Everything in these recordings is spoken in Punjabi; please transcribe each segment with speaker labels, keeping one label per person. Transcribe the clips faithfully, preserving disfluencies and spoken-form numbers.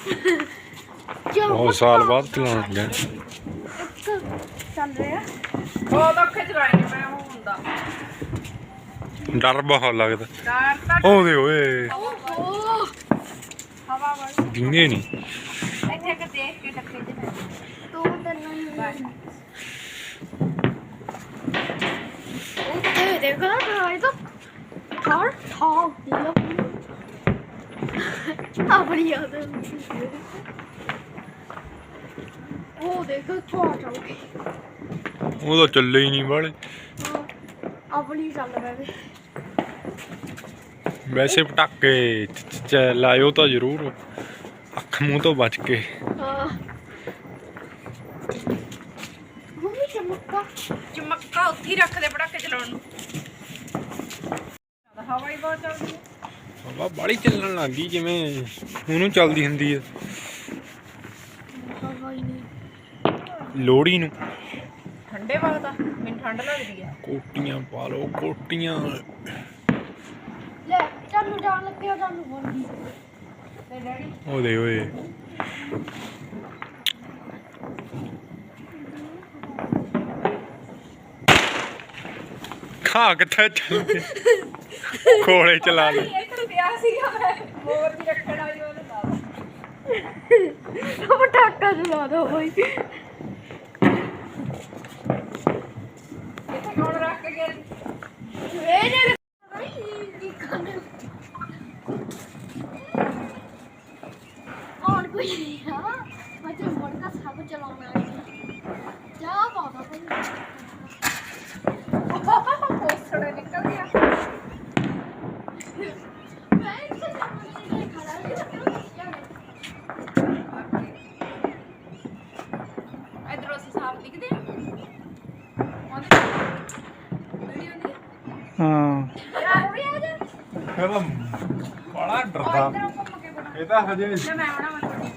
Speaker 1: बहुत साल बाद चलाने लगे
Speaker 2: चल रहे
Speaker 3: ਬਹੁਤ ਔਖੇ ਚਲਾਏ ਨੇ ਮੈਂ ਉਹ ਹੁੰਦਾ
Speaker 1: डर बहुत लगता
Speaker 3: ਡਰ ਤਾਂ
Speaker 1: ओ दे ओए
Speaker 3: ਹਵਾ ਵਾਲੀ
Speaker 1: दिंगे नहीं
Speaker 3: ਇੱਥੇ ਕਿ ਦੇਖ ਕੇ ਟੱਕੇ ਚ
Speaker 2: तू तन्नू ओके देखा भाई तो कार हाँ दिया अपनी याद है ओ देखो छोड़ जाओगे
Speaker 1: वो तो चले ही नहीं वाले
Speaker 2: अपनी चल रहा है
Speaker 1: वैसे पटाके लायो तो जरूर अख मुंह तो बच के
Speaker 2: मम्मी चमका
Speaker 3: ਚਮੱਕਾ ਉੱਥੇ ਹੀ ਰੱਖ ਦੇ ਪਟਾਕੇ ਚਲਾਉਣ ਨੂੰ ਹਵਾ ਹੀ ਬਹੁਤ ਚੱਲਦੀ ਹੈ
Speaker 1: हवा बाली चलन लग गई जिवें ਉਹਨੂੰ ਚੱਲਦੀ ਹੁੰਦੀ ਹੈ
Speaker 2: हवाई नहीं
Speaker 1: ਲੋਹੜੀ ਨੂੰ
Speaker 3: ਠੰਡੇ ਵਕਤ ਆ ਮੈਨੂੰ ਠੰਡ ਲੱਗਦੀ ਹੈ
Speaker 1: ਕੋਟੀਆਂ ਪਾ ਲਓ ਕੋਟੀਆਂ
Speaker 2: ले चल जान लग गया जान बोल दी
Speaker 3: ਤੇ ਡੈਡੀ
Speaker 1: ਉਹਦੇ ਓਏ ਖਾ ਕਿੱਥੇ ਚੱਲਦੇ ਕੋਲੇ ਚਲਾ ਲੈ
Speaker 3: ਇੱਥੇ ਪਿਆ ਸੀਗਾ ਮੈਂ ਮੋਰ ਦੀ ਰੱਖਣ ਵਾਲੀ ਉਹਨੇ ਲਾ
Speaker 2: पटाखा चला दो भाई
Speaker 3: ਇੱਥੇ ਕੌਣ ਰੱਖ ਕੇ ਗਿਆ
Speaker 2: मेरे और कोई नहीं है मुझे मोड़ का सब चलाना है क्या बात है
Speaker 3: ਪੋਸੜੇ ਨਿਕਲ ਗਿਆ
Speaker 2: मैं इसे नहीं खड़ा है
Speaker 3: ਇਧਰੋਂ ਅਸੀਂ ਸਾਫ ਦਿਖਦੇ ਆ ਵੀਡੀਓ ਨਹੀਂ
Speaker 1: ਹਾਂ
Speaker 3: ਯਾਰ ਉਰੇ ਆ ਜਾ
Speaker 1: ਇਹਦਾ ਬੜਾ ਡਰਦਾ
Speaker 3: ਇਧਰੋਂ ਘੁੰਮ ਕੇ ਬਣਾ
Speaker 1: ਇਹ ਤਾਂ ਹਜੇ
Speaker 3: ਮੈਂ ਬਣਾਵਾਂ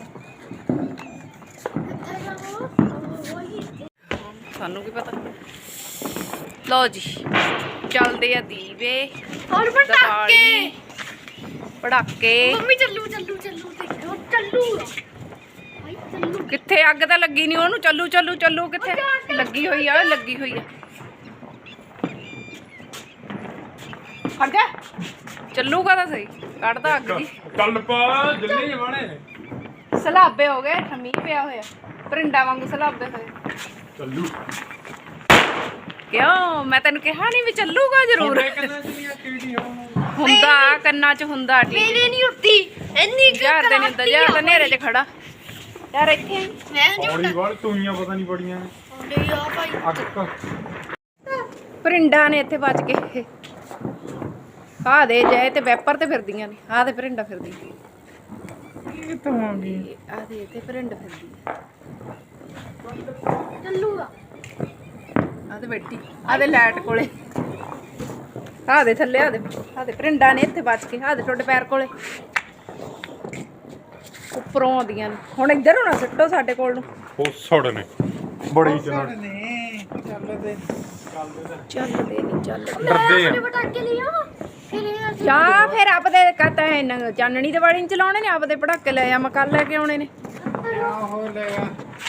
Speaker 2: कितना जाओ वही
Speaker 3: ਸਾਨੂੰ ਕੀ ਪਤਾ ਲਓ ਜੀ ਚੱਲਦੇ ਆ ਦੀਵੇ
Speaker 2: और पटाखे
Speaker 3: ਪੜਾਕੇ
Speaker 2: मम्मी चल्लू चल्लू चल्लू देखो चल्लू भाई चल्लू
Speaker 3: ਕਿੱਥੇ ਅੱਗ ਤਾਂ ਲੱਗੀ ਨਹੀਂ ਉਹਨੂੰ ਚੱਲੂ ਚੱਲੂ ਚੱਲੂ ਕਿੱਥੇ ਲੱਗੀ ਹੋਈ ਆ ਲੱਗੀ ਹੋਈ ਆ ਖੜ ਜਾ ਚੱਲੂਗਾ ਤਾਂ ਸਹੀ ਕੱਢਦਾ ਅੱਗ ਜੀ
Speaker 1: ਚੱਲ ਪਾ ਜੱਲੇ ਜਵਾਣੇ
Speaker 3: ਸਲਾਬੇ ਹੋ ਗਏ ਠਮੀ ਪਿਆ ਹੋਇਆ ਪਰਿੰਡਾ ਵਾਂਗੂ ਸਲਾਬੇ ਹੋਏ
Speaker 1: ਚੱਲੂ
Speaker 3: ਕਿਉਂ ਮੈਂ ਤੈਨੂੰ ਕਿਹਾ ਨਹੀਂ ਵੀ ਚੱਲੂਗਾ ਜ਼ਰੂਰ
Speaker 1: ਕਿੰਨਾ ਚਲੀ ਐਕਟੀਵਿਟੀ ਹੋ
Speaker 3: ਹੁੰਦਾ ਕੰਨਾਂ 'ਚ ਹੁੰਦਾ ਠੀਕ
Speaker 2: मेरे नहीं होती इतनी
Speaker 3: ਯਾਰ ਦੇ ਨਹੀਂ ਹੁੰਦਾ ਯਾਰ ਤਾਂ ਨੇਰੇ 'ਚ ਖੜਾ ਯਾਰ ਇੱਥੇ ਆਈ।
Speaker 2: मैं नहीं
Speaker 1: ਹੌਲੀ ਵਾਲ ਤੂਈਆਂ ਪਤਾ ਨਹੀਂ ਬੜੀਆਂ
Speaker 2: उठा यार भाई
Speaker 1: ਅੱਗ
Speaker 3: ਪਰਿੰਡਾ ਨੇ ਇੱਥੇ ਬਚ ਕੇ ਆ ਦੇ ਜਾਏ ਤੇ ਵੈਪਰ ਤੇ ਫਿਰਦੀਆਂ ਨੇ ਆ ਤੇ ਪਰਿੰਡਾ ਫਿਰਦੀ
Speaker 1: ਕਿੱਥੋਂ ਆ ਗਈ
Speaker 3: ਆ ਦੇ ਤੇ ਪਰਿੰਡਾ ਫਿਰਦੀ
Speaker 2: चल्लूगा
Speaker 3: ਆ ਤੇ ਬੈਠੀ ਆ ਦੇ ਲਾਈਟ ਕੋਲੇ ਆ ਦੇ ਥੱਲੇ ਆ ਦੇ ਆ ਦੇ ਪਰਿੰਡਾ ਨੇ ਇੱਥੇ ਬਚ ਕੇ ਆ ਦੇ ਤੁਹਾਡੇ ਪੈਰ ਕੋਲੇ ਉੱਪਰੋਂ ਆਉਂਦੀਆਂ ਨੇ ਹੁਣ ਇੱਧਰ ਹੋਣਾ ਸਿੱਟੋ ਸਾਡੇ ਕੋਲ ਨੂੰ
Speaker 1: ਉਹ ਸੜ ਨੇ ਬੜੀ ਚੱਲ
Speaker 3: ਚੱਲਦੇ ਨਹੀਂ ਚੱਲਦੇ
Speaker 1: ਡਰਦੇ ਆ
Speaker 2: पटाखे लिया फिर यार
Speaker 3: ਜਾਂ ਫਿਰ ਆਪਦੇ ਕਹਤਾ ਹੈ ਚਾਨਣੀ ਦੇ ਵਾਲੀ ਨਹੀਂ ਚਲਾਉਣੇ ਨੇ ਆਪਦੇ ਪੜਾਕੇ ਲੈ ਆ ਮੈਂ ਕੱਲ ਲੈ ਕੇ ਆਉਣੇ ਨੇ
Speaker 1: ਆਹੋ ਲੈ ਆ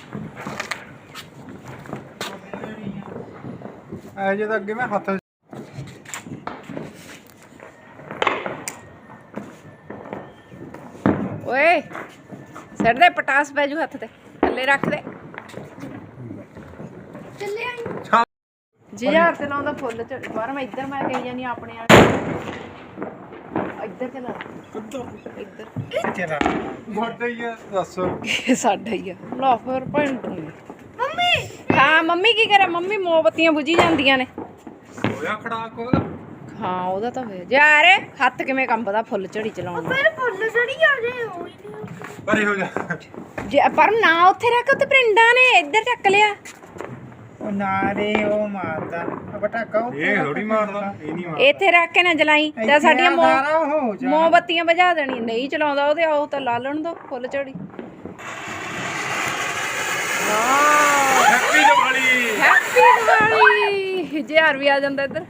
Speaker 1: ਐ ਜੇ ਤਾਂ ਅੱਗੇ ਮੈਂ ਹੱਥ
Speaker 3: ਓਏ ਸਿਰ ਦੇ ਪਟਾਸ ਪੈ ਜੂ ਹੱਥ ਤੇ ਥੱਲੇ ਰੱਖ ਦੇ
Speaker 2: चले आई
Speaker 3: ਜੀ ਹਜ਼ਾਰ ਤੇ ਲਾਉਂਦਾ ਫੁੱਲ ਝੜ ਬਾਹਰ ਮੈਂ ਇੱਧਰ ਮੈਂ ਕਹੀ ਜਾਨੀ ਆਪਣੇ ਵਾਲੇ ਇੱਧਰ ਤੇ ਲਾ ਇੱਧਰ
Speaker 1: ਤੇਰਾ ਗੋਡਾ ਹੀ ਆ ਦੱਸ
Speaker 3: ਇਹ ਸਾਡਾ ਹੀ ਆ ਲਾ ਫਿਰ ਭੈਣ ਤੂੰ
Speaker 2: मम्मी
Speaker 3: ਹਾਂ ਮੰਮੀ ਕੀ ਕਰੇ ਮੰਮੀ ਮੋਮਬੱਤੀਆਂ ਬੁਝੀ ਜਾਂਦੀਆਂ ਨੇ
Speaker 1: ਹੋਇਆ ਖੜਾਕ ਉਹਦਾ
Speaker 3: ਹਾਂ ਉਹਦਾ ਤਾਂ ਹੋਇਆ ਯਾਰ ਹੱਥ ਕਿਵੇਂ ਕੰਬਦਾ ਫੁੱਲ ਝੜੀ ਚਲਾਉਣ ਦਾ
Speaker 2: फिर फुल चढ़ी आ गए हो ही नहीं
Speaker 1: ਪਰੇ ਹੋ ਜਾ
Speaker 3: ਜੇ ਪਰ ਨਾ ਉੱਥੇ ਰੱਖ ਉੱਤੇ ਪਰਿੰਡਾਂ ਨੇ ਇੱਧਰ ਚੱਕ ਲਿਆ
Speaker 4: ਉਹ ਨਾਰੇ ਉਹ ਮਾਰਦਾ ਆ ਪਟਾਕਾ ਉਹ
Speaker 1: ਇਹ ਥੋੜੀ ਮਾਰਦਾ ਇਹ ਨਹੀਂ ਮਾਰਦਾ
Speaker 3: ਇੱਥੇ ਰੱਖ ਕੇ ਨਾ ਜਲਾਈ ਤਾਂ ਸਾਡੀਆਂ ਮੋ
Speaker 4: ਹੋ ਜਾ
Speaker 3: ਮੋਮਬੱਤੀਆਂ ਬੁਝਾ ਦੇਣੀ ਨਹੀਂ ਚਲਾਉਂਦਾ ਉਹਦੇ ਆਓ ਤਾਂ ਲਾ ਲੈਣ ਦੋ ਫੁੱਲ ਝੜੀ
Speaker 1: ਹੈਪੀ ਦੀਵਾਲੀ
Speaker 3: ਹੈਪੀ ਦੀਵਾਲੀ ਹਜ਼ਾਰ ਵੀ ਆ ਜਾਂਦਾ ਇੱਧਰ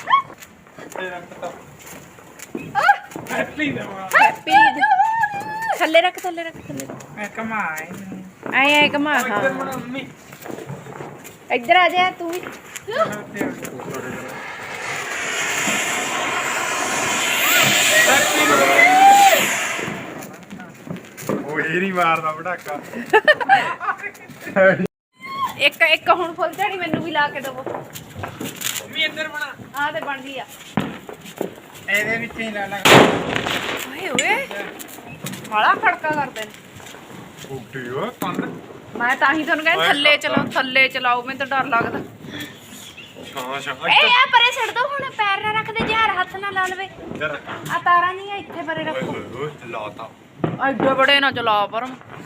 Speaker 1: ਹੈਪੀ ਦੀਵਾਲੀ
Speaker 3: ਹੈਪੀ ਥੱਲੇ ਰੱਖ ਥੱਲੇ ਰੱਖ ਥੱਲੇ
Speaker 4: ਮੈਂ ਕਮਾਏ
Speaker 3: ਐ ਐ ਕਮਾ ਹਾਂ
Speaker 4: ਮੰਮੀ
Speaker 3: ਇੱਧਰ ਆ ਜਾ ਤੂੰ ਵੀ
Speaker 1: ਉਹ ਇਹ ਨਹੀਂ ਮਾਰਦਾ ਪਟਾਕਾ।
Speaker 3: ਇੱਕ ਇੱਕ ਹੁਣ ਫੁੱਲ ਝੜੀ ਮੈਨੂੰ ਵੀ ਲਾ ਕੇ ਦਵੋ
Speaker 4: ਮੰਮੀ ਇੱਧਰ ਬਣਾ
Speaker 3: ਆ ਤੇ ਬਣ ਗਈ ਆ
Speaker 4: ਇਹਦੇ ਵਿੱਚ ਹੀ ਲਾ ਲਾ
Speaker 3: ਓਏ ਓਏ ਬੜਾ ਖੜਕਾ ਕਰਦੇ ਨੇ
Speaker 1: ਉੱਡੀ ਓਏ ਕੰਨ
Speaker 3: ਮੈਂ ਤਾਂ ਹੀ ਤੁਹਾਨੂੰ ਕਹਿੰਦਾ ਥੱਲੇ ਚਲਾਓ ਥੱਲੇ ਚਲਾਓ ਮੈਨੂੰ ਤਾਂ ਡਰ ਲੱਗਦਾ
Speaker 1: ਛਾਂ ਛਾਂ
Speaker 3: ਏ ਆ ਪਰੇ ਛੱਡ ਦੋ ਹੁਣ ਪੈਰ ਨਾ ਰੱਖਦੇ ਜੇ ਹੱਥ ਨਾ ਲਾ ਲਵੇ
Speaker 1: ਇੱਧਰ
Speaker 3: ਆ ਤਾਰਾਂ ਨਹੀਂ ਆ ਇੱਥੇ ਪਰੇ
Speaker 1: ਓਏ
Speaker 3: ਰੱਖੋ
Speaker 1: ਹੋਏ ਹੋਏ ਲਾਤਾ।
Speaker 3: ਐਡੇ ਬੜੇ ਨਾ ਚਲਾ ਪਰ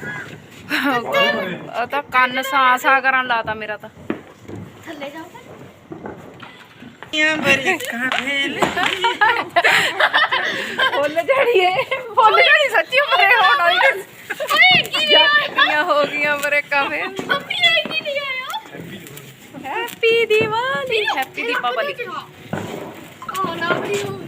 Speaker 3: ਆ ਤਾਂ ਕੰਨ ਸਾ ਸਾ ਕਰਨ ਲਾਤਾ ਮੇਰਾ ਤਾਂ
Speaker 2: ਥੱਲੇ ਜਾਓ
Speaker 4: ਯਾਂ ਬਰੇ ਕਾਫੇਲ
Speaker 3: ਫੁੱਲ ਝੜੀਏ ਫੁੱਲ ਝੜੀ ਸੱਚੀ ਪਰੇ ਹੋਣਾ ਹੀ
Speaker 2: ਓਏ ਕੀ ਨਹੀਂ ਆਇਆ
Speaker 3: ਜੱਟੀਆਂ ਹੋ ਗਈਆਂ ਪਰੇ ਕਾਫੇ
Speaker 2: ਮੰਮੀ ਇਹ ਕੀ ਨਹੀਂ ਆਇਆ
Speaker 3: ਹੈਪੀ ਦੀਵਾਲੀ ਹੈਪੀ ਦੀਪਾਵਲੀ
Speaker 2: ਆ ਨਾ ਵੀਡੀਓ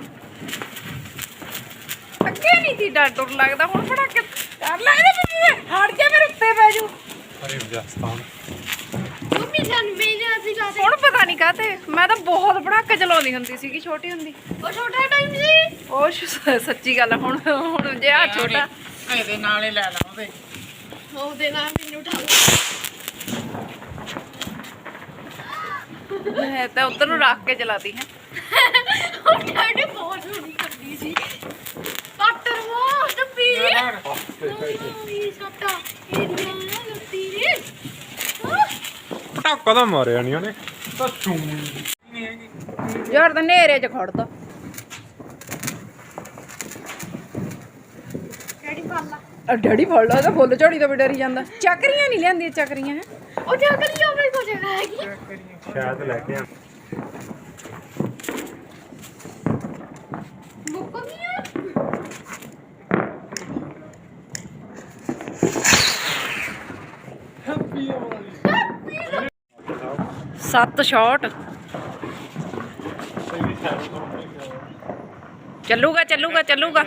Speaker 3: ਅੱਗੇ ਨਹੀਂ ਸੀ ਡਰ ਡਰ ਲੱਗਦਾ ਹੁਣ ਬੜਾ ਕਿ ਡਰ ਲੱਗਦਾ ਮੈਨੂੰ ਹਟ ਜਾ ਮੇਰੇ ਉੱਤੇ ਪੈ ਜੂ
Speaker 1: ਅਰੇ ਵਜਸਤਾਨ
Speaker 2: ਮੰਮੀ ਜਾਨ ਮੇਰੇ ਅਸੀਂ ਲਾ ਦੇ
Speaker 3: ਹੁਣ ਪਤਾ ਨਹੀਂ ਕਾਤੇ ਮੈਂ ਤਾਂ ਬਹੁਤ ਪੜਾਕੇ ਚਲਾਉਂਦੀ ਹੁੰਦੀ ਸੀਗੀ ਛੋਟੀ ਹੁੰਦੀ
Speaker 2: ਉਹ ਛੋਟਾ ਟਾਈਮ ਸੀ
Speaker 3: ਉਹ ਸ਼- ਸੱਚੀ ਗੱਲ ਆ, ਹੁਣ ਹੁਣ ਜੇ ਆ ਛੋਟਾ
Speaker 4: ਇਹਦੇ ਨਾਲ ਹੀ ਲੈ ਲਾ ਉਹਦੇ
Speaker 2: ਉਹਦੇ ਨਾਲ ਮੈਨੂੰ ਉਠਾ ਲਓ
Speaker 3: ਮੈਂ ਤਾਂ ਉਧਰ ਨੂੰ ਰੱਖ ਕੇ ਚਲਾਤੀ ਹੈ
Speaker 2: ਉਹ ਡੈਡੀ ਬਹੁਤ ਸੋਹਣੀ ਕਰਦੀ ਸੀ ਪਾਟਰ ਉਹ ਟੱਪੀ ਇਹ ਸੱਟਾ ਇਹ ਨਾ ਲੱਤੀ ਰੇ
Speaker 1: ਪਟਾਕਾ ਤਾਂ ਮਾਰਿਆ ਨਹੀਂ ਉਹਨੇ ਤਾਂ ਚੂੰ
Speaker 4: ਨਹੀਂ ਹੈਗੀ
Speaker 3: ਯਾਰ ਤਾਂ ਨੇਰੇ 'ਚ ਖੜਦਾ
Speaker 2: ਡੈਡੀ ਫੜ ਲਾ
Speaker 3: ਆ ਡੈਡੀ ਫੜ ਲਾ ਤਾਂ ਫੁੱਲ ਝੜੀ ਤੋਂ ਵੀ ਡਰੀ ਜਾਂਦਾ ਚੱਕਰੀਆਂ ਨਹੀਂ ਲਿਆਂਦੀਆਂ ਚੱਕਰੀਆਂ ਹੈ
Speaker 2: ਉਹ ਜਾ ਕੇ ਲਿਆ ਮੇਰੇ ਕੋਲ ਜਗ੍ਹਾ ਹੈਗੀ
Speaker 1: ਸ਼ਾਇਦ ਲੈ ਕੇ ਆ
Speaker 2: ਮੁੱਕ ਗਈਆਂ
Speaker 3: ਸੱਤ ਸ਼ਾਟ ਚੱਲੂਗਾ ਚੱਲੂਗਾ ਚੱਲੂਗਾ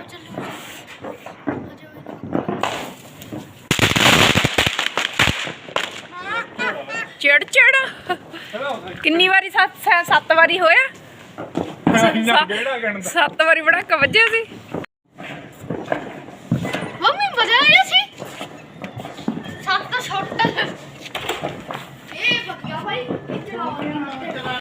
Speaker 3: ਚਿੜ ਚਿੜ ਕਿੰਨੀ ਵਾਰੀ ਸੱਤ ਸ- ਸੱਤ ਵਾਰੀ ਹੋਇਆ
Speaker 1: ਕਿਹੜਾ ਗਣਦਾ
Speaker 3: ਸੱਤ ਵਾਰੀ ਬੜਾ ਵੱਜਿਆ ਸੀ
Speaker 2: ਮੰਮੀ ਮਜ਼ਾ ਆਇਆ ਸੀ ਸੱਤ ਛੋਟਾ ਇਹ ਬੱਕਿਆ ਭਾਈ ਇਹ ਚਲਾਓ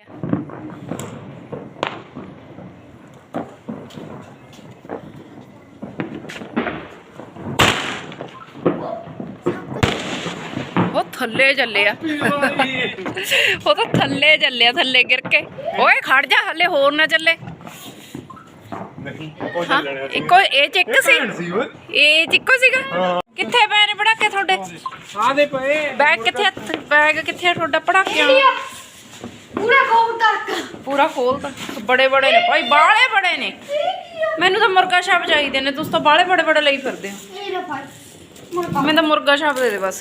Speaker 3: ਉਹ ਥੱਲੇ ਚੱਲਿਆ ਉਹ ਤਾਂ ਥੱਲੇ ਚੱਲਿਆ ਥੱਲੇ ਗਿਰ ਕੇ ਓਏ ਖੜ ਜਾ ਹੱਲੇ ਹੋਰ ਨਾ ਚੱਲੇ
Speaker 1: ਨਹੀਂ ਉਹ
Speaker 3: ਹਾਂ
Speaker 1: ਚੱਲਣਾ
Speaker 3: ਇੱਕੋ ਇਹ ਚ ਇੱਕ ਸੀ
Speaker 1: ਸੀ ਓਏ
Speaker 3: ਇਹ ਚ ਇੱਕੋ ਸੀਗਾ ਕਿੱਥੇ ਪਏ ਨੇ ਪੜਾਕੇ ਤੁਹਾਡੇ
Speaker 4: ਆ ਦੇ ਪਏ
Speaker 3: ਬੈਗ ਕਿੱਥੇ ਆ? ਬੈਗ ਕਿੱਥੇ ਆ ਤੁਹਾਡਾ ਪੜਾਕਿਆਂ
Speaker 2: ਇੰਡੀਆ ਪੂਰਾ ਗੋਲ ਤੱਕ
Speaker 3: ਪੂਰਾ ਖੋਲ ਤਾਂ ਬੜੇ ਬੜੇ ਨੇ ਭਾਈ ਬਾਲੇ ਬੜੇ ਨੇ ਮੈਨੂੰ ਤਾਂ ਮੁਰਗਾ ਛਾਪ ਚਾਹੀਦੇ ਨੇ ਤੁਸੀਂ ਤਾਂ ਬਾਲੇ ਬੜੇ ਬੜੇ ਲਈ ਫਿਰਦੇ ਹੋ
Speaker 2: ਇਹ ਲੈ ਭਾਈ ਮੁਰਗਾ
Speaker 3: ਮੈਨੂੰ ਤਾਂ ਮੁਰਗਾ ਛਾਪ ਦੇ ਦੇ ਬਸ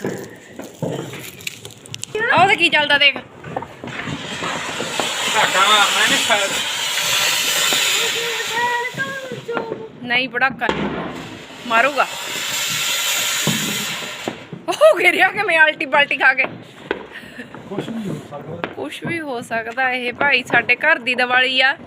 Speaker 3: ਆਹ ਤੇ ਕੀ ਚੱਲਦਾ ਦੇਖ
Speaker 4: ਧਾਕਾ ਮਾਰਨਾ ਨੇ ਫਾਇਰ
Speaker 3: ਨਹੀਂ ਪੜਾਕਾ ਮਾਰੂਗਾ ਉਹ ਗਿਰਿਆ ਕਿ ਮੈਂ ਆਲਟੀ ਬਾਲਟੀ ਖਾ ਕੇ
Speaker 1: ਕੁਛ ਨਹੀਂ ਹੋ ਸਕਦਾ
Speaker 3: ਕੁਛ ਵੀ ਹੋ ਸਕਦਾ ਇਹ ਭਾਈ ਸਾਡੇ ਘਰ ਦੀ ਦੀਵਾਲੀ ਆ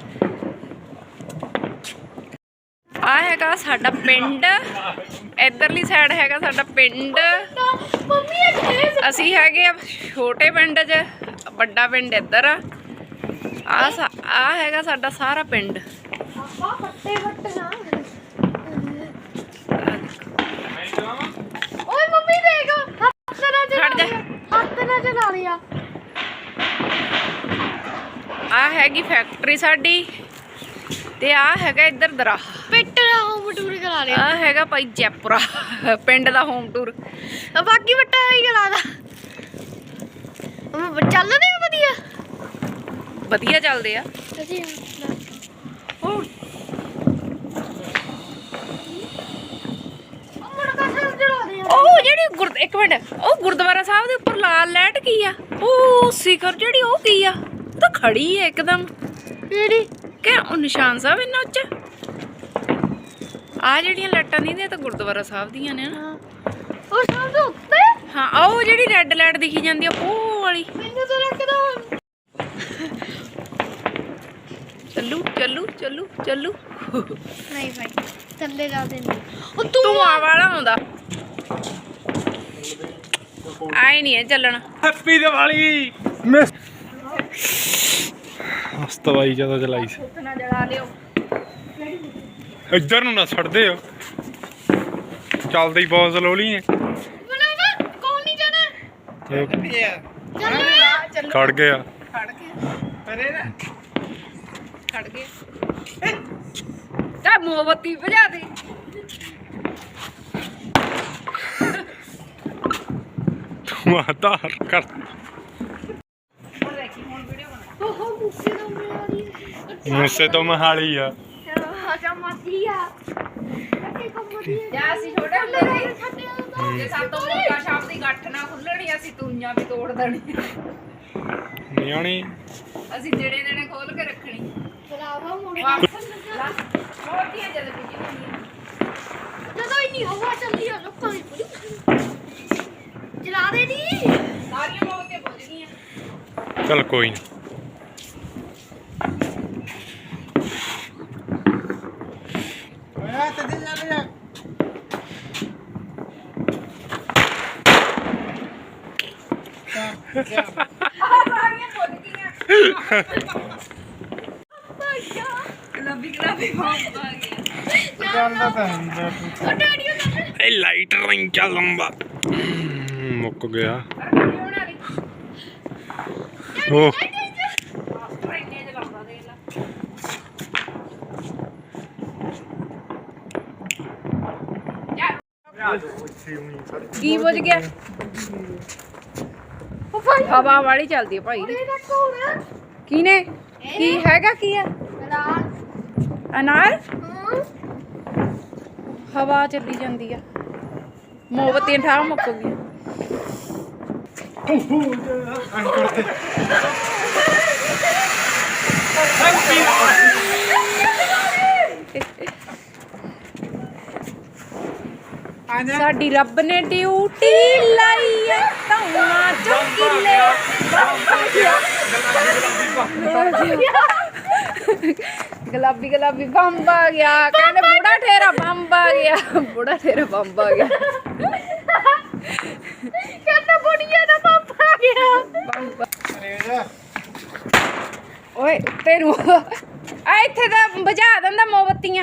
Speaker 3: ਆ ਹੈਗਾ ਸਾਡਾ ਪਿੰਡ ਇਧਰਲੀ ਸਾਈਡ ਹੈਗਾ ਸਾਡਾ ਪਿੰਡ
Speaker 2: ਮੰਮੀ ਇਹ ਖੇਸ
Speaker 3: ਅਸੀਂ ਹੈਗੇ ਆ ਛੋਟੇ ਪਿੰਡ 'ਚ ਵੱਡਾ ਪਿੰਡ ਇੱਧਰ ਆ ਆ ਆ ਹੈਗਾ ਸਾਡਾ ਸਾਰਾ ਪਿੰਡ
Speaker 2: ਪਾਪਾ ਫੱਟੇ ਫੱਟੇ ਨਾ ਓਏ ਮੰਮੀ ਦੇਖ ਹੱਥ ਨਾਲ ਚਲਾ
Speaker 3: ਖੜ ਜਾ।
Speaker 2: ਲਿਆ ਹੱਥ ਨਾਲ ਚਲਾ ਲਿਆ
Speaker 3: ਆ ਹੈਗੀ ਫੈਕਟਰੀ ਸਾਡੀ ਤੇ ਆ ਹੈਗਾ ਇੱਧਰ ਦਰਾਹ
Speaker 2: ਪਿੱਟ ਦਾ ਹੋਮ ਟੂਰ ਕਰਾ ਲਿਆ
Speaker 3: ਆ ਹੈਗਾ ਭਾਈ ਜੈਪੁਰਾ ਪਿੰਡ ਦਾ ਹੋਮ ਟੂਰ
Speaker 2: ਆ ਬਾਕੀ ਵੱਟਾ ਹੀ ਕਰਾ ਦਾ ਮੰਮੀ ਚੱਲਦੇ ਆ ਵਧੀਆ
Speaker 3: ਵਧੀਆ ਚੱਲਦੇ ਆ
Speaker 2: ਅਸੀਂ
Speaker 3: ਉਹ
Speaker 2: ਮੁਰਗਾ ਸਾਹਿਬ ਚਲਾ ਦੇ
Speaker 3: ਉਹ ਜਿਹੜੀ ਗੁਰ ਇੱਕ ਮਿੰਟ ਉਹ ਗੁਰਦੁਆਰਾ ਸਾਹਿਬ ਦੇ ਉੱਪਰ ਲਾਲ ਲਾਈਟ ਕੀ ਆ ਉਹ ਸਿਖਰ ਜਿਹੜੀ ਉਹ ਕੀ ਆ ਉਹ ਤਾਂ ਖੜੀ ਹੈ ਇੱਕਦਮ
Speaker 2: ਕਿਹੜੀ
Speaker 3: ਕਿ ਉਹ ਨਿਸ਼ਾਨ ਸਾਹਿਬ ਇਹਨਾਂ ਉੱਚ ਆ ਜਿਹੜੀਆਂ ਲਾਈਟਾਂ ਨਹੀਂ ਨੇ ਤਾਂ ਗੁਰਦੁਆਰਾ ਸਾਹਿਬ ਦੀਆਂ ਨੇ ਨਾ।
Speaker 2: ਉਹ ਸਭ ਤੋਂ ਉੱਤੇ
Speaker 3: ਹਾਂ ਆਹ ਉਹ ਜਿਹੜੀ ਰੈੱਡ ਲਾਈਟ ਦਿਖੀ ਜਾਂਦੀ ਆ ਉਹ ਵਾਲੀ।
Speaker 2: ਮੈਨੂੰ ਤਾਂ ਲੱਗਦਾ
Speaker 3: ਚੱਲੂ ਚੱਲੂ ਚੱਲੂ ਚੱਲੂ
Speaker 2: ਨਹੀਂ ਭਾਈ ਥੱਲੇ ਜਾ ਦੇ ਉਹ ਤੂੰ
Speaker 3: ਧੂਆਂ ਵਾਲਾ ਆਉਂਦਾ ਆਏ ਨਹੀਂ ਹੈ ਚੱਲਣਾ।
Speaker 1: ਹੈਪੀ ਦੀਵਾਲੀ ਮਿਸ ਹਸਤਵਾਈ ਜਿਆਦਾ ਚਲਾਈ ਸੀ।
Speaker 3: ਨਾ ਜਲਾ ਲਿਓ
Speaker 1: ਇੱਧਰ ਨੂੰ ਨਾ ਛੱਡਦੇ ਹੋ ਚੱਲਦੇ ਹੀ ਬਹੁਤ ਸਲੋਲੀ ਨੇ।
Speaker 2: ਬਣਾਵਾ ਕੌਣ ਨਹੀਂ ਜਾਣਾ
Speaker 1: ਇਹ
Speaker 2: ਚੱਲ
Speaker 1: ਖੜ ਗਿਆ
Speaker 3: ਖੜ ਗਿਆ
Speaker 4: ਅਰੇ ਨਾ
Speaker 3: ਖੜ ਗਿਆ ਤਾਂ ਮੋਮਬੱਤੀ ਬੁਝਾ ਦੇ।
Speaker 1: ਤੂੰ ਆਧਾਰ ਕਰ
Speaker 3: ਹੁਣ ਦੇਖੀ ਹੁਣ ਵੀਡੀਓ ਬਣਾ।
Speaker 2: ਉਹ ਮੁੱਸੇ ਤੋਂ ਮੇਰੀ
Speaker 1: ਮੂਸੇ ਤੋਂ ਮਹਾਲੀ ਆ।
Speaker 2: ਆਜਾ ਮਾਤੀਆ ਅੱਗੇ ਕੰਮਦੀ
Speaker 3: ਜਾਂ ਅਸੀਂ ਛੋਟੇ ਹੁੰਦੇ ਸੀ ਜੇ ਸਾਤੋਂ ਮੋਕਾ ਸ਼ਾਪ ਦੀ ਗੱਠ ਨਾ ਖੁੱਲਣੀ ਅਸੀਂ ਤੂੰਆਂ ਵੀ ਤੋੜ ਦੇਣੀ।
Speaker 1: ਨਿਆਣੀ
Speaker 3: ਅਸੀਂ ਜਿਹੜੇ ਜਿਹੜੇ ਖੋਲ ਕੇ ਰੱਖਣੀ।
Speaker 2: ਚਲਾਵਾ ਮੁੰਡਾ
Speaker 3: ਵਾਪਸ ਹੋਰ ਕੀ ਜਦ ਬੁਝੀ ਹੁੰਦੀ
Speaker 2: ਜਦੋਂ ਇੰਨੀ ਹਵਾ ਚੱਲਦੀ ਆ ਲੋਕਾਂ ਦੀ ਪੂਰੀ ਚਲਾ ਦੇ ਦੀ
Speaker 3: ਸਾਰੀਆਂ ਮੋਮਬੱਤੀਆਂ ਬੁਝ ਗਈਆਂ।
Speaker 1: ਚੱਲ ਕੋਈ ਨਾ।
Speaker 4: ਓਏ ਤੇ ਦੇ ਚੱਲ ਜਾ
Speaker 3: ਸਾਰੀਆਂ ਬੁਝ ਗਈਆਂ। ਗੁਲਾਬੀ ਗੁਲਾਬੀ ਬੰਬ ਆ ਗਿਆ।
Speaker 4: ਚੱਲਦਾ ਤਾਂ ਹੁੰਦਾ ਤੂੰ
Speaker 2: ਉਹ ਡੈਡੀ ਉਹ
Speaker 1: ਇਹ ਲਾਈਟ ਰਿੰਗ ਚੱਲ ਲੰਬਾ ਮੁੱਕ ਗਿਆ।
Speaker 3: ਹੋਣ ਵਾਲੀ
Speaker 1: ਉਹ
Speaker 3: ਮਾਸਟਰ ਇੰਨੇ ਚ ਲਾਉਂਦਾ ਦੇਖ ਲਾ। ਯਾਰ ਕੀ ਬੁਝ ਗਿਆ?
Speaker 2: ਉਹ ਭਾਈ
Speaker 3: ਹਵਾ ਵਾਲੀ ਚੱਲਦੀ ਹੈ ਭਾਈ।
Speaker 2: ਇਹ ਰੱਖੋ ਨਾ
Speaker 3: ਕਿਨੇ ਕੀ ਹੈਗਾ ਕੀ ਆ?
Speaker 2: ਰਾਤ
Speaker 3: ਅਨਾਰ
Speaker 2: ਹਾਂ
Speaker 3: ਹਵਾ ਚੱਲੀ ਜਾਂਦੀ ਆ। ਮੋਮਬੱਤੀਆਂ ਠਾਹ ਮੁੱਕ ਗਈਆਂ।
Speaker 4: ਆ ਜਾ
Speaker 3: ਸਾਡੀ ਰੱਬ ਨੇ ਡਿਊਟੀ ਲਾਈ ਐ ਧੌਣਾ ਚੁੱਕਿਲੇ ਗੁਲਾਬੀ ਗੁਲਾਬੀ ਬੰਬ ਆ ਗਿਆ। ਕਹਿੰਦੇ ਬੁੜਾ ਠੇਰਾ ਬੰਬ ਆ ਗਿਆ। ਬੁੜਾ ਠੇਰਾ ਬੰਬ ਆ ਗਿਆ।
Speaker 2: ਕਹਿੰਦਾ ਬੁੜੀਆ ਦਾ ਪਾਪਾ ਆ ਗਿਆ
Speaker 3: ਬੰਬ
Speaker 4: ਅਰੇ ਜਾ
Speaker 3: ਓਏ ਉੱਤੇ ਨੂੰ ਆ ਇੱਥੇ ਤਾਂ ਬੁਝਾ ਦਿੰਦਾ ਮੋਮਬੱਤੀਆਂ।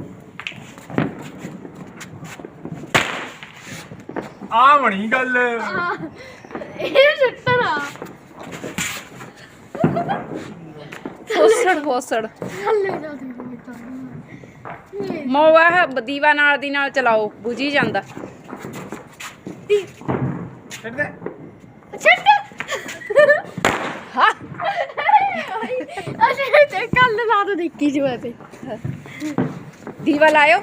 Speaker 1: ਆ ਬਣੀ ਗੱਲ।
Speaker 2: ਇਹ ਸਿੱਟਰ ਆ
Speaker 3: ਫੋਸੜ ਫੋਸੜ
Speaker 2: ਥੱਲੇ ਜਾ ਦੇ ਬੇਟਾ
Speaker 3: ਮੋਵਾ ਦੀਵਾ ਨਾਲ ਦੀ ਨਾਲ ਚਲਾਓ ਬੁਝੀ ਜਾਂਦਾ।
Speaker 4: ਛੱਡ ਦੇ
Speaker 2: ਛੱਡ
Speaker 3: ਹਾਂ
Speaker 2: ਅਸੀਂ ਤੇ ਕੱਲ ਰਾਤ ਦੇਖੀ ਸੀ ਮੈਂ ਤੇ
Speaker 3: ਦੀਵਾ ਲਾਇਓ।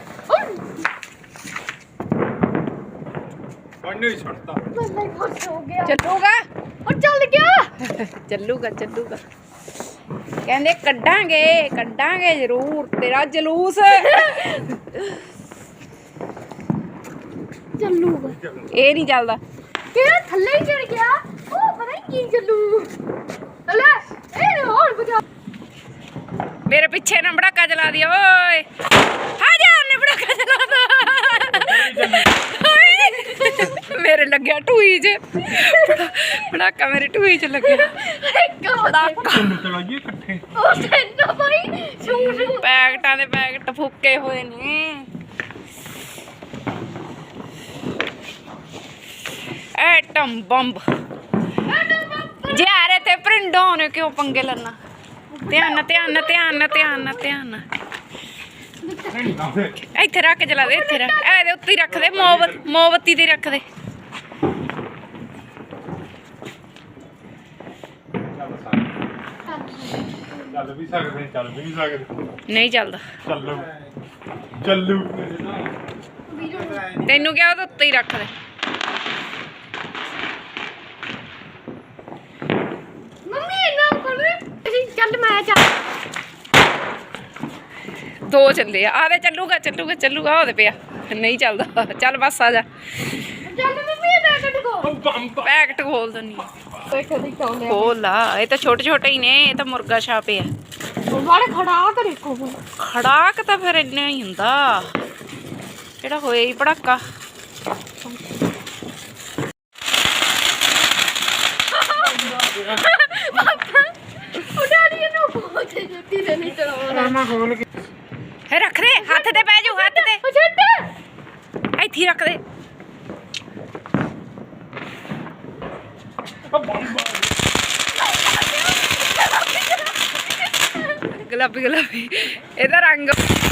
Speaker 1: ਬੰਨੇ ਛੱਡਤਾ।
Speaker 2: ਬੰਦਾ ਖੁਸ਼ ਹੋ ਗਿਆ
Speaker 3: ਚੱਲੂਗਾ
Speaker 2: ਉਹ ਚੱਲ ਗਿਆ
Speaker 3: ਚੱਲੂਗਾ ਚੱਲੂਗਾ। ਕਹਿੰਦੇ ਕੱਢਾਂਗੇ ਕੱਢਾਂਗੇ ਜ਼ਰੂਰ ਤੇਰਾ ਜਲੂਸ।
Speaker 2: ਚੱਲੂਗਾ
Speaker 3: ਇਹ ਨਹੀਂ ਚੱਲਦਾ।
Speaker 2: ਕਿਹੜਾ ਥੱਲੇ ਹੀ ਚੜ ਗਿਆ ਉਹ ਪਤਾ ਨਹੀਂ ਕੀ ਚੱਲੂ ਲੈ ਇਹ ਹੋਰ ਬਜਾ
Speaker 3: ਮੇਰੇ ਪਿੱਛੇ ਨਾ ਬੜਾਕਾ ਚਲਾ ਦਿਓ ਓਏ। ਆ ਜਾ ਉਹਨੇ ਬੜਾਕਾ ਚਲਾਦਾ। ਮੇਰੇ ਲੱਗਿਆ ਟੂਈ 'ਚ ਬੜਾਕਾ ਮੇਰੇ ਟੂਈ 'ਚ ਲੱਗਿਆ।
Speaker 2: ਇੱਕ ਬੜਾਕਾ
Speaker 1: ਤੈਨੂੰ ਚਲਾਈਏ ਇਕੱਠੇ।
Speaker 2: ਉਹ ਸੈਂਟਾ ਭਾਈ ਸ਼ੂ ਸ਼ੂ
Speaker 3: ਪੈਕਟਾਂ ਦੇ ਪੈਕਟ ਫੁੱਕੇ ਹੋਏ ਨੇ। ਐਟਮ ਬੰਬ ਜਿਆਰੇ ਤੇ ਪ੍ਰਿੰਡੋਂ ਨੇ ਕਿਉਂ ਪੰਗੇ ਲੈਣਾ। ਧਿਆਨ ਨਾਲ ਧਿਆਨ ਨਾਲ ਧਿਆਨ ਨਾਲ ਧਿਆਨ ਨਾਲ ਧਿਆਨ ਨਾਲ ਇੱਥੇ ਰੱਖ ਕੇ ਚਲਾ ਦੇ। ਇੱਥੇ ਰੱਖ ਇਹਦੇ ਉੱਤੇ ਹੀ ਰੱਖ ਦੇ। ਮੋਮਬੱਤੀ ਮੋਮਬੱਤੀ ਤੇ ਰੱਖ ਦੇ।
Speaker 1: ਚੱਲ ਵੀ ਸਕਦੇ ਚੱਲ ਵੀ ਨਹੀਂ ਸਕਦੇ।
Speaker 3: ਨਹੀਂ ਚੱਲਦਾ।
Speaker 1: ਚੱਲੂ ਚੱਲੂ
Speaker 3: ਤੈਨੂੰ ਕਿਹਾ ਉਹਦੇ ਉੱਤੇ ਹੀ ਰੱਖ ਦੇ।
Speaker 2: ਮੰਮੀ ਨਾ ਕਰ ਚੱਲ ਮੈਂ ਚੱਲ
Speaker 3: ਦੋ ਚੱਲੇ ਆ ਆ ਦੇ ਚੱਲੂਗਾ ਚੱਲੂਗਾ ਚੱਲੂਗਾ ਉਹਦੇ ਪਿਆ ਨਹੀਂ ਚੱਲਦਾ ਚੱਲ ਬਸ ਆ ਜਾ
Speaker 2: ਚੱਲ ਮੰਮੀ ਇਹ ਪੈਕਟ ਕੋ
Speaker 3: ਪੈਕਟ ਖੋਲ ਦਨੀ
Speaker 2: ਪੈਕਟ ਦੀ ਕੌਲੇ
Speaker 3: ਖੋਲ ਲਾ ਇਹ ਤਾਂ ਛੋਟੇ ਛੋਟੇ ਹੀ ਨੇ ਇਹ ਤਾਂ ਮੁਰਗਾ ਛਾਪੇ ਆ
Speaker 2: ਬਾਰੇ ਖੜਾ ਕਰ ਦੇਖੋ
Speaker 3: ਖੜਾਕ ਤਾਂ ਫਿਰ ਇੰਨਾ ਹੀ ਹੁੰਦਾ ਜਿਹੜਾ ਹੋਇਆ ਹੀ ਪੜਾਕਾ
Speaker 2: ਉਹ ਡੈਡੀ ਨੂੰ ਬਹੁਤ ਜੱਤੀ ਦੇ ਨਹੀਂ ਚਲਾਉਣਾ
Speaker 4: ਮੈਂ ਖੋਲ ਕੇ
Speaker 3: ਹੈ ਰੱਖ ਦੇ ਹੱਥ ਤੇ ਪੈ ਜਾਊ ਹੱਥ ਤੇ
Speaker 2: ਉਹ ਛੱਡ
Speaker 3: ਇੱਥੇ ਹੀ ਰੱਖ ਦੇ ਗੁਲਾਬੀ ਗੁਲਾਬੀ ਇਹਦਾ ਰੰਗ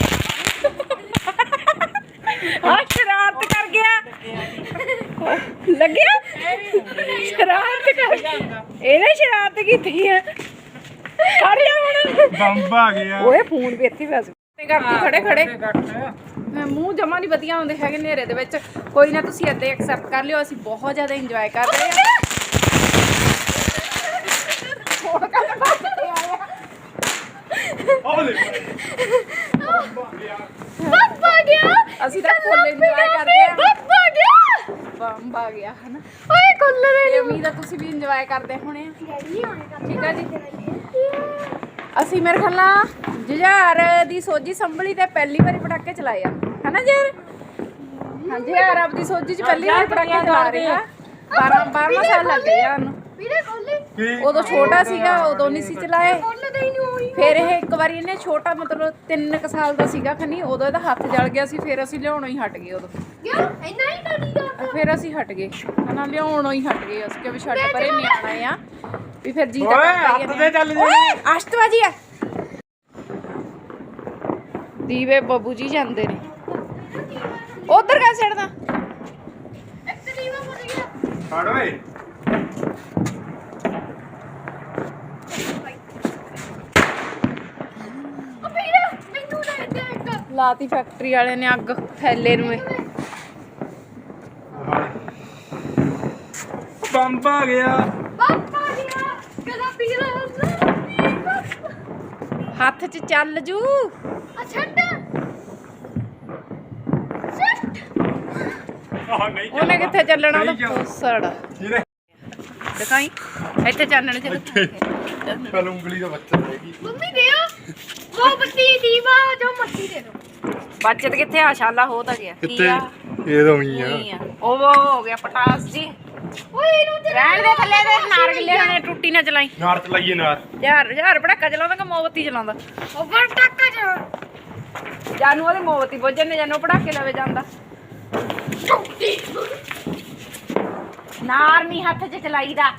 Speaker 3: ਆ ਸ਼ਰਾਰਤ ਕਰ ਗਿਆ ਲੱਗਿਆ ਸ਼ਰਾਰਤ ਕਰ ਇਹਨੇ ਸ਼ਰਾਰਤ ਕੀਤੀ ਹੈ ਖੜ ਜਾ ਹੁਣ
Speaker 4: ਬੰਬ ਆ ਗਿਆ
Speaker 3: ਓਏ ਫੋਨ ਵੀ ਇੱਥੇ ਵੈਸੇ ਕਰਦੀ ਖੜੇ ਖੜੇ ਮੈਂ ਮੂੰਹ ਜਮਾ ਨਹੀਂ ਵਧੀਆ ਆਉਂਦੇ ਹੈਗੇ ਹਨੇਰੇ ਦੇ ਵਿੱਚ ਕੋਈ ਨਾ ਤੁਸੀਂ ਏਦਾਂ ਐਕਸੈਪਟ ਕਰ ਲਿਓ ਅਸੀਂ ਬਹੁਤ ਜ਼ਿਆਦਾ ਇੰਜੋਏ ਕਰ ਰਹੇ ਹਾਂ ਹੋਰ ਕੰਮ ਕਰਦੇ ਆਇਆ
Speaker 2: ਬੱਬਾ ਗਿਆ
Speaker 3: ਅਸੀਂ ਤਾਂ ਫੁੱਲ ਇੰਜੋਏ ਕਰਦੇ ਆ
Speaker 2: ਬੱਬਾ ਗਿਆ
Speaker 3: ਬੰਬ ਆ ਗਿਆ ਹਨਾ
Speaker 2: ਓਏ ਕੁੱਲਰ
Speaker 3: ਤੇ ਉਮੀਦ ਆ ਤੁਸੀਂ ਵੀ ਇੰਜੋਏ ਕਰਦੇ ਹੋਣੇ ਆ ਠੀਕ ਆ ਜੀ ਅਸੀਂ ਮੇਰੇ ਖਿਆਲ ਨਾਲ ਜੁਝਾਰ ਦੀ ਸੋਝੀ ਸੰਭਲੀ ਤੇ ਪਹਿਲੀ ਵਾਰੀ ਪਟਾਕੇ ਚਲਾਏ ਆ ਹਨਾ ਜੀ ਹਾਂਜੀ ਯਾਰ ਆਪਦੀ ਸੋਝੀ ਚ ਪਹਿਲੀ ਵਾਰੀ ਪਟਾਕੇ ਚਲਾ ਰਹੇ ਆ ਬਾਰਾਂ ਬਾਰਾਂ ਸਾਲ ਲੱਗ ਗਏ ਆ ਉਹਨੂੰ
Speaker 2: ਵੀਰੇ ਖੋਲੇ
Speaker 3: ਉਦੋਂ ਛੋਟਾ ਸੀਗਾ ਉਦੋਂ ਨਹੀਂ ਸੀ ਚਲਾਏ
Speaker 2: ਖੋਲਦੇ ਹੀ ਨਹੀਂ ਹੋਈ
Speaker 3: ਫਿਰ ਇਹ ਇੱਕ ਵਾਰੀ ਇਹਨੇ ਛੋਟਾ ਮਤਲਬ ਤਿੰਨ ਕੁ ਸਾਲ ਦਾ ਸੀਗਾ ਖਨੀ ਉਦੋਂ ਇਹਦਾ ਹੱਥ ਜਲ ਗਿਆ ਸੀ ਫਿਰ ਅਸੀਂ ਲਿਆਉਣੋਂ ਹੀ ਹਟ ਗਏ ਉਦੋਂ
Speaker 2: ਯਾਰ ਇੰਨਾ ਹੀ ਕਰੀ ਦਾ
Speaker 3: ਫਿਰ ਅਸੀਂ ਹਟ ਗਏ ਹਨਾ ਲਿਆਉਣੋਂ ਹੀ ਹਟ ਗਏ ਅਸੀਂ ਕਿ ਵੀ ਛੱਡ ਪਰੇ ਨਿਆਣਾ ਆ ਵੀ ਫਿਰ ਜੀ
Speaker 4: ਓਏ
Speaker 3: ਤਾਂ
Speaker 4: ਹੱਥ ਤੇ ਚੱਲ ਜਾ
Speaker 3: ਓਏ ਅਸ਼ਟਵਾਜੀ ਆ ਦੀਵੇ ਬੱਬੂ ਜੀ ਜਾਂਦੇ ਨੇ ਉਧਰ ਕਾ ਛੱਡਦਾ
Speaker 2: ਇੱਕ ਦੀਵਾ ਮੁੜ ਗਿਆ
Speaker 4: ਫੜ ਓਏ
Speaker 2: ਉਹ ਵੀਰੇ ਮੈਨੂੰ ਦੇ ਦੇ ਇੱਕ
Speaker 3: ਲਾਤੀ ਫੈਕਟਰੀ ਵਾਲੇ ਨੇ ਅੱਗ ਫੈਲੇ ਨੂੰ ਇਹ
Speaker 4: ਬੰਬ ਆ ਗਿਆ
Speaker 2: ਬੱਬਾ ਗਿਆ ਕਦਾ ਪੀਲਾ
Speaker 3: ਹੱਥ 'ਚ ਚੱਲ ਜੂ
Speaker 2: ਆ ਛੱਡ ਛੱਡ
Speaker 4: ਆਹ ਨਹੀਂ
Speaker 3: ਉਹਨੇ ਕਿੱਥੇ ਚੱਲਣਾ ਉਹਦਾ
Speaker 4: ਨਹੀਂ
Speaker 3: ਪੂਸੜ
Speaker 4: ਜਿਹਨੇ
Speaker 3: ਦਿਖਾਈ ਇੱਥੇ ਚਾਨਣ ਚ
Speaker 4: ਕੱਲ ਉਂਗਲੀ ਦਾ ਬੱਚਾ ਹੈਗੀ
Speaker 2: ਮੰਮੀ ਦਿਓ ਉਹ ਬੱਤੀ ਦੀਵਾ ਜੋ ਮੱਤੀ ਦੇ ਦੋ
Speaker 3: ਬੱਚਤ ਕਿੱਥੇ ਆ ਸ਼ਾਲਾ ਹੋ ਤਾਂ ਗਿਆ ਕੀ ਆ
Speaker 4: ਇਹ ਤਾਂ ਉਹੀ
Speaker 3: ਨਹੀਂ ਆ ਉਹ ਉਹ ਹੋ ਗਿਆ ਪਟਾਸ ਜੀ
Speaker 2: ਓਏ ਇਹਨੂੰ ਤੇ
Speaker 3: ਰਹਿਣ ਦੇ ਥੱਲੇ ਦੇ ਨਾਰ ਗਿੱਲੇ ਹੋਣੇ ਟੁੱਟੀ ਨਾ ਚਲਾਈ
Speaker 4: ਨਾਰ ਚਲਾਈਏ ਨਾਰ
Speaker 3: ਯਾਰ ਯਾਰ ਪਟਾਕਾ ਚਲਾਉਂਦਾ ਕਿ ਮੋਮਬੱਤੀ ਚਲਾਉਂਦਾ
Speaker 2: ਉਹ ਪਟਾਕਾ ਜਾ
Speaker 3: ਜਾਨੂੰ ਉਹਦੀ ਮੋਮਬੱਤੀ ਬੁੱਝਣ ਨੇ ਜਾਨੂੰ ਪਟਾਕੇ ਲਵੇ ਜਾਂਦਾ ਨਾਰ ਨਹੀਂ ਹੱਥ 'ਚ ਚਲਾਈਦਾ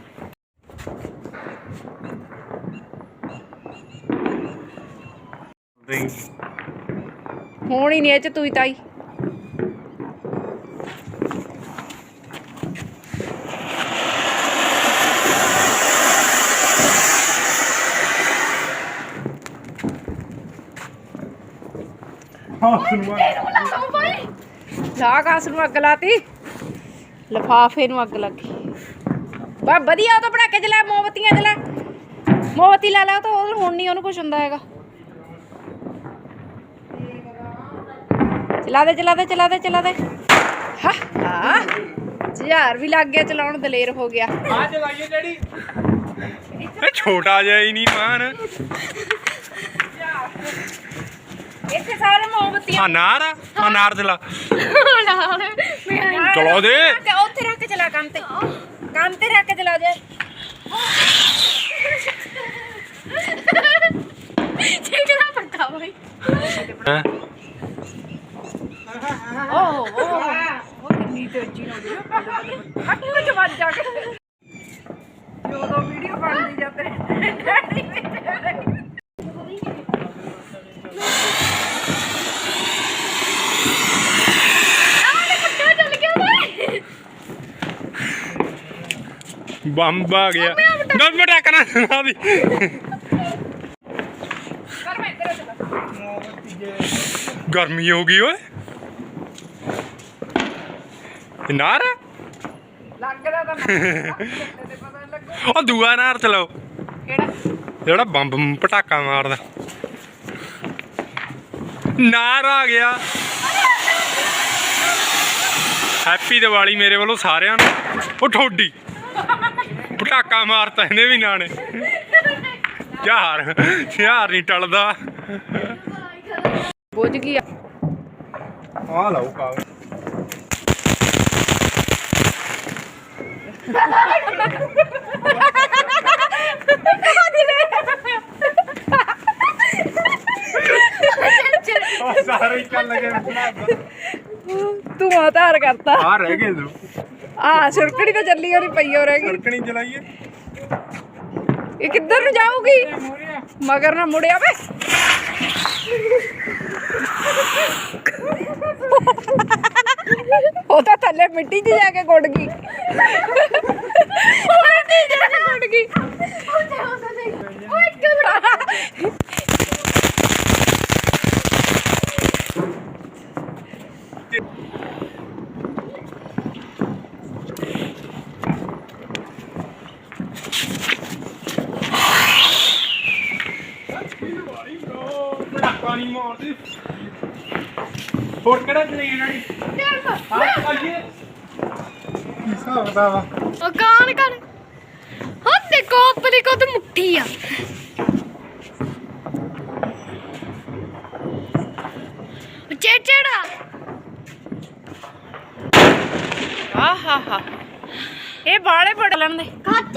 Speaker 3: ਹੁਣ ਹੀ ਨਹੀਂ ਇਹ 'ਚ ਤੂੰ ਹੀ ਤਾਈ
Speaker 4: ਹਾਂ ਸੁਣਵਾ
Speaker 2: ਲਾਓ ਭਾਈ
Speaker 3: ਲਾ ਕਾਸ ਨੂੰ ਅੱਗ ਲਾਤੀ ਲਫਾਫੇ ਨੂੰ ਅੱਗ ਲੱਗੀ ਬਾ ਵਧੀਆ ਉਹ ਤਾਂ ਪਟਾਕੇ ਚਲਾ ਮੋਮਬੱਤੀਆਂ ਚਲਾ ਮੋਮਬੱਤੀ ਲਾ ਲਾ ਉਹ ਤਾਂ ਉਹ ਹੁਣ ਨਹੀਂ ਉਹਨੂੰ ਕੁਝ ਹੁੰਦਾ ਹੈਗਾ ਚਲਾ ਦੇ ਚਲਾ ਦੇ ਚਲਾ ਦੇ ਚਲਾ ਦੇ ਹਾ ਹਾ ਹਜ਼ਾਰ ਵੀ ਲੱਗ ਗਿਆ ਚਲਾਉਣ ਦਲੇਰ ਹੋ ਗਿਆ
Speaker 4: ਆ ਚਲਾਈਏ ਡੈਡੀ
Speaker 1: ਇਹ ਛੋਟਾ ਜਿਹਾ ਹੀ ਨਹੀਂ ਮਾਨ
Speaker 3: ਇੱਥੇ ਸਾਰੇ ਮੋਮਬੱਤੀਆਂ
Speaker 1: ਆ ਨਾਰ ਆ ਆਹ ਨਾਰ ਚਲਾ
Speaker 2: ਨਾਲ ਮੈਂ
Speaker 1: ਚਲਾ ਦੇ
Speaker 3: ਤੇ ਉੱਥੇ ਰੱਖ ਕੇ ਚਲਾ ਕੰਮ ਤੇ ਕੰਮ ਤੇ ਰੱਖ ਕੇ ਚਲਾ ਦੇ
Speaker 2: ਚੇਕਣਾ ਪੱਕਾ ਭਾਈ
Speaker 1: ਹੈਂ?
Speaker 3: ਓਹ ਓਹ ਉਹ ਕਿੰਨੀ ਤੇਜ਼ੀ ਨਾਲ ਗਿਆ ਹੱਥ ਵਿੱਚ ਵੱਜ ਜਾ ਕੇ ਜਦੋਂ ਵੀਡੀਓ ਬਣਦੀ ਜਾਂਦੇ ਡੈਡੀ ਵਿੱਚ
Speaker 1: ਬੰਬ ਆ ਗਿਆ ਨਾ ਬਟਾ ਕਰਾਂ ਸੁਣਾ ਦੀ
Speaker 3: ਕਰ ਮੈਂ ਤੇਰੇ ਚਲਾ
Speaker 1: ਗਰਮੀ ਹੋ ਗਈ ਓਏ ਇਹ ਨਾਰ ਆ?
Speaker 3: ਲੱਗਦਾ ਤਾਂ ਨਾ ਪਤਾ ਲੱਗੂ
Speaker 1: ਉਹ ਦੂਆ ਨਾਰ ਚਲਾਓ
Speaker 3: ਕਿਹੜਾ
Speaker 1: ਜਿਹੜਾ ਬੰਬ ਪਟਾਕਾ ਮਾਰਦਾ ਨਾਰ ਆ ਗਿਆ। ਹੈਪੀ ਦੀਵਾਲੀ ਮੇਰੇ ਵੱਲੋਂ ਸਾਰਿਆਂ ਨੂੰ। ਉਹ ਠੋਡੀ ਪਟਾਕਾ ਮਾਰਤਾ ਇਹਨੇ ਵੀ ਨਾਲੇ। ਯਾਰ ਯਾਰ ਨਹੀਂ ਟਲਦਾ।
Speaker 3: ਬੁੱਝ ਗਈ ਆ।
Speaker 1: ਆ ਲਓ ਕਾਗਜ਼। ਉਹ ਸਾਰੇ ਚੱਲ ਲਗੇ
Speaker 3: ਤੂੰ ਆਧਾਰ ਕਰਤਾ।
Speaker 1: ਆ ਰਹਿ ਗਏ ਤੂੰ।
Speaker 3: ਆ ਛੁਰਕਣੀ ਤਾਂ ਚੱਲੀ ਉਹਦੀ ਪਈ ਹੋ ਰਹਿ ਗਈ।
Speaker 1: ਸਰਕਣੀ ਚਲਾਈਏ।
Speaker 3: ਇਹ ਕਿੱਧਰ ਨੂੰ ਜਾਊਗੀ? ਮਗਰ ਨਾ ਮੁੜਿਆ ਵੇ। ਉਹ ਤਾਂ ਥੱਲੇ ਮਿੱਟੀ 'ਚ ਜਾ ਕੇ ਗੁੱਡ ਗਈ। ਮਿੱਟੀ 'ਚ ਜਾ ਕੇ ਗੁੱਡ ਗਈ।
Speaker 1: ਪਾਣੀ ਮਾਰਦੀ। ਹੋਰ ਕਿਹੜਾ ਚਲੇ ਇਹਨਾਂ ਨੇ? ਹਾਂ ਆਈਏ। ਹਿਸਾਬ ਦਾ ਵਾ।
Speaker 2: ਉਹ ਕਾਨ ਕਰ ਹਾਂ ਦੇਖੋ ਆਪਣੀ ਕੋ ਤੇ ਮੁੱਠੀ ਆ। ਚੇਚੜਾ
Speaker 3: ਆ ਹਾ ਹਾ ਇਹ ਬਾਲੇ ਬੜ ਲੈਂਦੇ।
Speaker 2: ਕੱਚ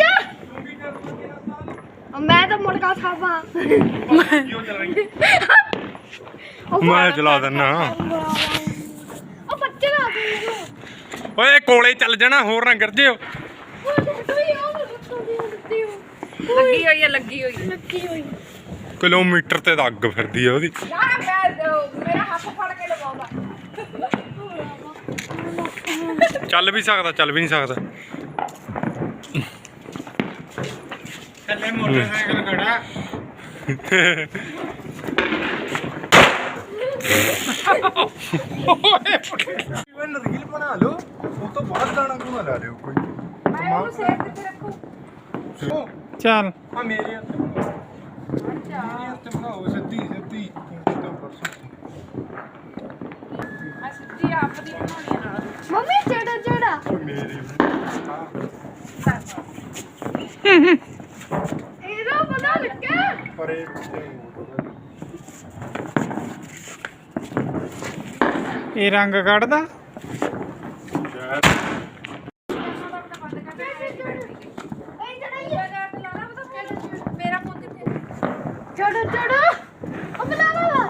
Speaker 2: ਮੈਂ ਤਾਂ ਮੁਰਗਾ ਖਾਵਾ।
Speaker 1: ਕਿਉਂ ਚੱਲ ਰਹੀ? ਮੈਂ ਚਲਾ ਦਿੰਨਾ।
Speaker 2: ਉਹ ਬੱਚੇ ਨਾ ਦੇ
Speaker 1: ਓਏ ਕੋਲੇ ਚੱਲ ਜਾਣਾ, ਹੋਰ ਨਾ ਗਿਰ ਜਿਓ।
Speaker 3: ਲੱਗੀ ਹੋਈ ਆ ਲੱਗੀ ਹੋਈ
Speaker 2: ਲੱਗੀ ਹੋਈ
Speaker 1: ਕਿਲੋਮੀਟਰ ਤੇ ਤਾਂ ਅੱਗ ਫਿਰਦੀ ਆ ਉਹਦੀ।
Speaker 3: ਯਾਰ ਮੈਂ ਮੇਰਾ ਹੱਥ ਫੜ ਕੇ ਲਵਾਉਂਦਾ।
Speaker 1: ਚੱਲ ਵੀ ਸਕਦਾ, ਚੱਲ ਵੀ ਨਹੀਂ ਸਕਦਾ।
Speaker 4: ਥੱਲੇ ਮੋਟਰਸਾਈਕਲ ਖੜਾ।
Speaker 1: ਰੀਲ ਬਣਾ ਲਓ, ਉਹ ਤੋਂ ਬਾਅਦ ਗਾਣਾ ਗੁਣਾ ਲਾ ਲਿਓ ਕੋਈ।
Speaker 3: ਮੈਂ ਉਹਨੂੰ ਸੇਵ ਕਿੱਥੇ ਰੱਖੂ?
Speaker 4: ਚੱਲ
Speaker 1: ਆ ਮੇਰੇ ਹੱਥ ਮੇਰੇ ਹੱਥ ਬਣਾਓ ਸਿੱਧੀ ਸਿੱਧੀ।
Speaker 3: ਆ ਸਿੱਧੀ ਆਪ ਦੀ ਬਣਾਉਣੀ ਆ ਨਾਲ।
Speaker 2: ਮੰਮੀ ਚੜਾ ਚੜਾ
Speaker 1: ਮੇਰੇ
Speaker 2: ਇਹਦਾ ਪਤਾ ਲੱਗਾ
Speaker 1: ਪਰੇ
Speaker 4: ਇਹ ਰੰਗ ਕੱਢਦਾ।
Speaker 3: ਮੇਰਾ ਫੋਨ ਕਿੱਥੇ?
Speaker 2: ਚੜਾ ਚੜਾ ਉਹ ਬਣਾ ਲਾ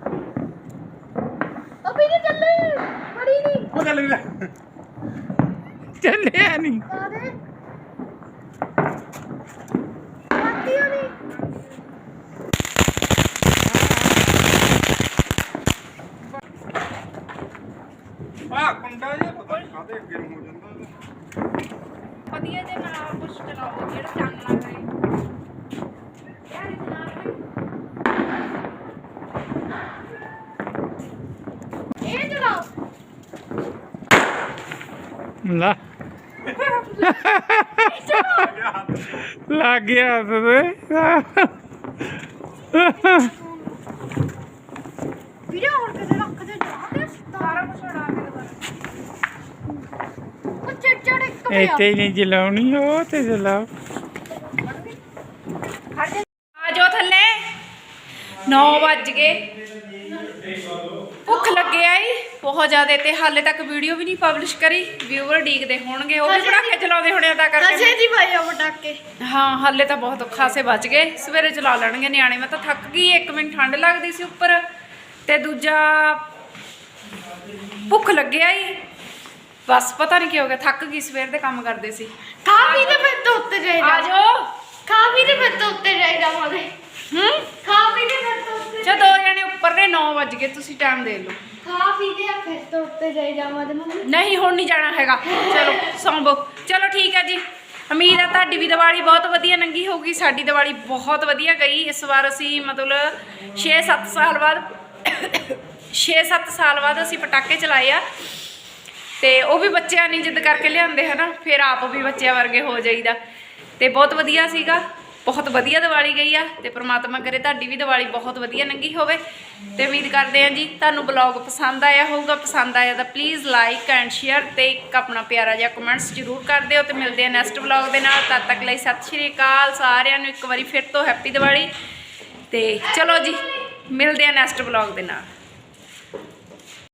Speaker 2: ਅਭੀ ਨਹੀਂ ਚੱਲੇ ਬੜੀ ਨਹੀਂ
Speaker 1: ਉਹ ਚੱਲ ਵੀ
Speaker 4: ਚੱਲਿਆ ਨਹੀਂ।
Speaker 2: ਸਾਰੇ ਬਾਕੀ ਨਹੀਂ
Speaker 1: ਆ ਕੁੰਡਾ ਜਿਹਾ ਪਤਾ ਨਹੀਂ ਕਾਹਦੇ ਅੱਗੇ ਨੂੰ ਹੋ ਜਾਂਦਾ।
Speaker 3: ਵਧੀਆ ਜੇ ਨਾਲ ਕੁਛ ਚਲਾਓ ਜਿਹੜਾ ਚੰਨ ਨਾ ਕਰੇ। ਯਾਰ ਇਹ ਨਾਲ
Speaker 2: ਇਹ ਚਲਾਓ
Speaker 4: ਲਾ ਲੱਗ ਗਿਆ ਹੱਥ ਤੇ।
Speaker 2: ਵੀਡੀਓ ਹੋਰ ਕਿਤੇ ਰੱਖ ਦੇ ਜਾ ਕੇ
Speaker 3: ਸਾਰਾ ਕੁਝ ਉਡਾ ਕੇ ਦੁਬਾਰਾ।
Speaker 2: ਉਹ ਚੜ ਇੱਕ ਪਿਆ
Speaker 4: ਇੱਥੇ ਹੀ ਨਹੀਂ ਚਲਾਉਣੀ, ਉਹ ਤੇ ਚਲਾਓ।
Speaker 3: ਆ ਜਾਓ ਥੱਲੇ। ਨੌ ਵੱਜ ਗਏ। ਭੁੱਖ ਲੱਗਿਆ ਈ ਬਹੁਤ ਜ਼ਿਆਦਾ ਤੇ ਹਾਲੇ ਤੱਕ ਵੀਡੀਓ ਵੀ ਨਹੀਂ ਪਬਲਿਸ਼ ਕਰੀ। ਵਿਊਅਰ ਡੀਕਦੇ ਹੋਣਗੇ, ਉਹ ਵੀ ਪੜਾਕੇ ਚਲਾਉਂਦੇ ਹੋਣੇ ਤਾਂ ਕਰਕੇ।
Speaker 2: ਅਜੇ ਜੀ ਭਾਈ ਆ ਪਟਾਕੇ
Speaker 3: ਹਾਂ ਹਾਲੇ ਤਾਂ ਬਹੁਤ ਖਾਸੇ ਬਚ ਗਏ। ਸਵੇਰੇ ਚਲਾ ਲੈਣਗੇ ਨਿਆਣੇ। ਮੈਂ ਤਾਂ ਥੱਕ ਗਈ। ਇੱਕ ਮਿੰਟ ਠੰਡ ਲੱਗਦੀ ਸੀ ਉੱਪਰ ਤੇ ਦੂਜਾ ਭੁੱਖ ਲੱਗਿਆ ਈ ਬਸ ਪਤਾ ਨਹੀਂ ਕੀ ਹੋ ਗਿਆ। ਥੱਕ ਗਈ, ਸਵੇਰ ਦੇ ਕੰਮ ਕਰਦੇ ਸੀ।
Speaker 2: ਖਾ ਪੀ ਤੇ ਫਿਰ ਤੋਂ ਉੱਤੇ ਜਾਈਦਾ
Speaker 3: ਆ ਜਾਓ।
Speaker 2: ਖਾ ਪੀ ਤੇ ਫਿਰ ਤੋਂ ਉੱਤੇ ਜਾਈਦਾ ਮਾਦੇ
Speaker 3: ਹੂੰ
Speaker 2: ਖਾ ਪੀ ਤੇ ਫਿਰ ਤੋਂ ਉੱਤੇ
Speaker 3: ਚਾ ਦੋ ਜਣੇ ਉੱਪਰ ਨੇ। ਨੌ ਵੱਜ ਗਏ, ਤੁਸੀਂ ਟਾਈਮ ਦੇ ਲਓ।
Speaker 2: ਖਾ ਪੀ ਤੇ ਫਿਰ ਤੋਂ ਉੱਤੇ ਜਾਈਦਾ ਮਾਦੇ ਮੰਮੀ
Speaker 3: ਨਹੀਂ ਹੁਣ ਨਹੀਂ ਜਾਣਾ ਹੈਗਾ। ਚਲੋ ਸੌਂਵੋ। ਚਲੋ ਠੀਕ ਹੈ ਜੀ। ਉਮੀਦ ਹੈ ਤੁਹਾਡੀ ਵੀ ਦੀਵਾਲੀ ਬਹੁਤ ਵਧੀਆ ਲੰਘੀ ਹੋਊਗੀ। ਸਾਡੀ ਦੀਵਾਲੀ ਬਹੁਤ ਵਧੀਆ ਗਈ। ਇਸ ਵਾਰ ਅਸੀਂ ਮਤਲਬ ਛੇ ਸੱਤ ਸਾਲ ਬਾਅਦ ਛੇ ਸੱਤ ਸਾਲ ਬਾਅਦ ਅਸੀਂ ਪਟਾਕੇ ਚਲਾਏ ਆ ਤੇ ਉਹ ਵੀ ਬੱਚਿਆਂ ਨੇ ਜਿੱਦ ਕਰਕੇ ਲਿਆਂਦੇ ਹਨਾ। ਫਿਰ ਆਪ ਵੀ ਬੱਚਿਆਂ ਵਰਗੇ ਹੋ ਜਾਈਦਾ ਤੇ ਬਹੁਤ ਵਧੀਆ ਸੀਗਾ। ਬਹੁਤ ਵਧੀਆ ਦੀਵਾਲੀ ਗਈ ਆ ਤੇ ਪ੍ਰਮਾਤਮਾ ਕਰੇ ਤੁਹਾਡੀ ਵੀ ਦੀਵਾਲੀ ਬਹੁਤ ਵਧੀਆ ਲੰਘੀ ਹੋਵੇ ਤੇ ਉਮੀਦ ਕਰਦੇ ਆ ਜੀ ਤੁਹਾਨੂੰ ਬਲੌਗ ਪਸੰਦ ਆਇਆ ਹੋਊਗਾ। ਪਸੰਦ ਆਇਆ ਤਾਂ ਪਲੀਜ਼ ਲਾਈਕ ਐਂਡ ਸ਼ੇਅਰ ਤੇ ਇੱਕ ਆਪਣਾ ਪਿਆਰਾ ਜਿਹਾ ਕਮੈਂਟਸ ਜ਼ਰੂਰ ਕਰ ਦਿਓ ਤੇ ਮਿਲਦੇ ਆ ਨੈਕਸਟ ਬਲੌਗ ਦੇ ਨਾਲ। ਤਦ ਤੱਕ ਲਈ ਸਤਿ ਸ਼੍ਰੀ ਅਕਾਲ ਸਾਰਿਆਂ ਨੂੰ ਇੱਕ ਵਾਰੀ ਫਿਰ ਤੋਂ ਹੈਪੀ ਦੀਵਾਲੀ ਤੇ ਚਲੋ ਜੀ ਮਿਲਦੇ ਆ ਨੈਕਸਟ ਬਲੌਗ ਦੇ ਨਾਲ।